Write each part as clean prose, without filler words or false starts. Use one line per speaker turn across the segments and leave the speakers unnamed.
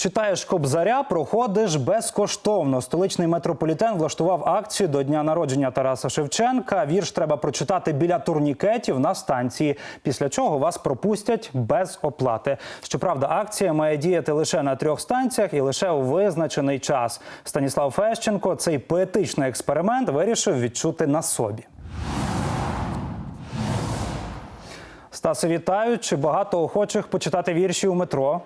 Читаєш Кобзаря, проходиш безкоштовно. Столичний метрополітен влаштував акцію до дня народження Тараса Шевченка. Вірш треба прочитати біля турнікетів на станції, після чого вас пропустять без оплати. Щоправда, акція має діяти лише на 3 станціях і лише у визначений час. Станіслав Фещенко цей поетичний експеримент вирішив відчути на собі. Стасе, вітаю. Чи багато охочих почитати вірші у метро?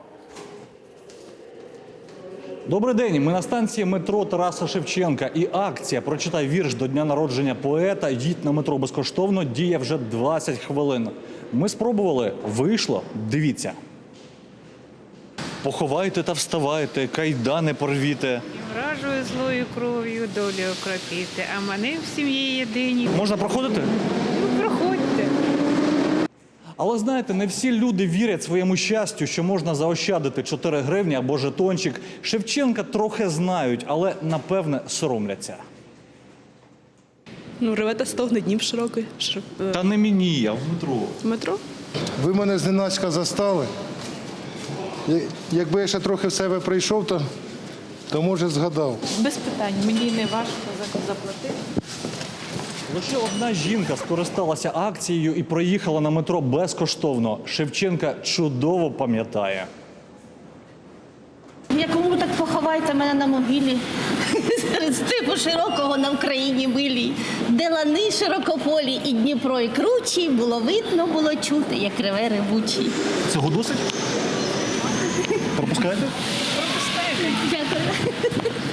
Добрий день. Ми на станції метро Тараса Шевченка. І акція «Прочитай вірш до дня народження поета. Їдь на метро безкоштовно» діє вже 20 хвилин. Ми спробували. Вийшло. Дивіться. Поховайте та вставайте, кайдани порвіте.
Вражою злою кров'ю долю окропіти, а мене в сім'ї єдині.
Можна проходити?
Ну, проходьте.
Але знаєте, не всі люди вірять своєму щастю, що можна заощадити 4 гривні або жетончик. Шевченка трохи знають, але, напевне, соромляться.
Ну, реве та стогне, Дніп широкий.
Та не мені, а в метро.
Метро?
Ви мене зненацька застали. Якби я ще трохи в себе прийшов, то може згадав.
Без питань, мені не важко заплатити.
Лише одна жінка скористалася акцією і проїхала на метро безкоштовно. Шевченка чудово пам'ятає.
Якому так поховайте мене на могилі, серед степу широкого на Вкраїні милій, де лани широкополі і Дніпро і кручі, було видно, було чути, як реве ревучий.
Цього досить? Пропускаєте?
Дякую.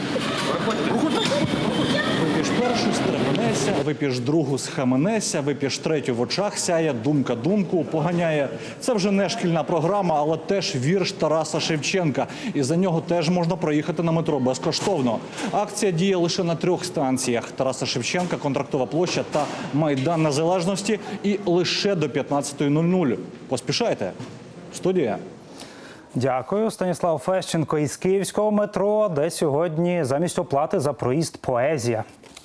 Вип'єш першу, стрепенеся, вип'єш другу, схаменеся, вип'єш третю, в очах сяє, думка думку поганяє. Це вже не шкільна програма, але теж вірш Тараса Шевченка. І за нього теж можна проїхати на метро безкоштовно. Акція діє лише на 3 станціях – Тараса Шевченка, Контрактова площа та Майдан Незалежності. І лише до 15:00. Поспішайте. Студія.
Дякую. Станіслав Фещенко із київського метро, де сьогодні замість оплати за проїзд поезія.